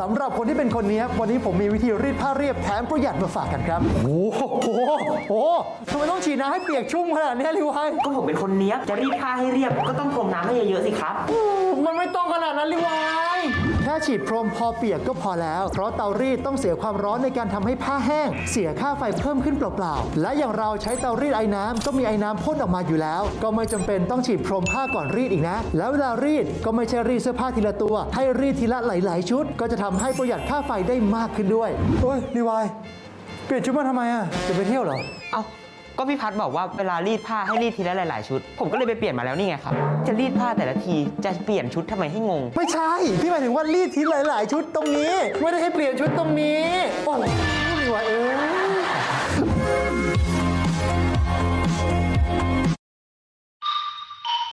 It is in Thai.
ำหรับคนที่เป็นคนนี้วันนี้ผมมีวิธีรีดผ้าเรียบแถมประหยัดมาฝากกันครับโอ้โหทำไมต้องฉีดน้ำให้เปียกชุ่มขนาดนี้ลิวไฮก็ผมเป็นคนเนี้ยบจะรีดผ้าให้เรียบก็ต้องพรมน้ำให้เยอะๆสิครับมันไม่ต้องขนาดนั้นลิวไฮแค่ฉีดพรมพอเปียกก็พอแล้วเพราะเตารีดต้องเสียความร้อนในการทำให้ผ้าแห้งเสียค่าไฟเพิ่มขึ้นเปล่าๆและอย่างเราใช้เตารีดไอ้น้ำก็มีไอ้น้ำพ่นออกมาอยู่แล้วก็ไม่จำเป็นต้องฉีดพรมผ้าก่อนรีดอีกนะแล้วเวลารีดก็ไม่ใช่รีดเสื้อผ้าทีละตัวให้รีดทีละหลายๆชุดก็จะทำให้ประหยัดค่าไฟได้มากขึ้นด้วยโอ้ยลิวไฮเปลี่ยนชุดมาทำไมอ่ะจะไปเที่ยวเหรอเอ้าก็พี่พัดบอกว่าเวลารีดผ้าให้รีดทีละหลายๆชุดผมก็เลยไปเปลี่ยนมาแล้วนี่ไงครับจะรีดผ้าแต่ละทีจะเปลี่ยนชุดทำไมให้งงไม่ใช่พี่หมายถึงว่ารีดทีหลายๆชุดตรงนี้ไม่ได้ให้เปลี่ยนชุดตรงนี้โอ้ยลิวไฮ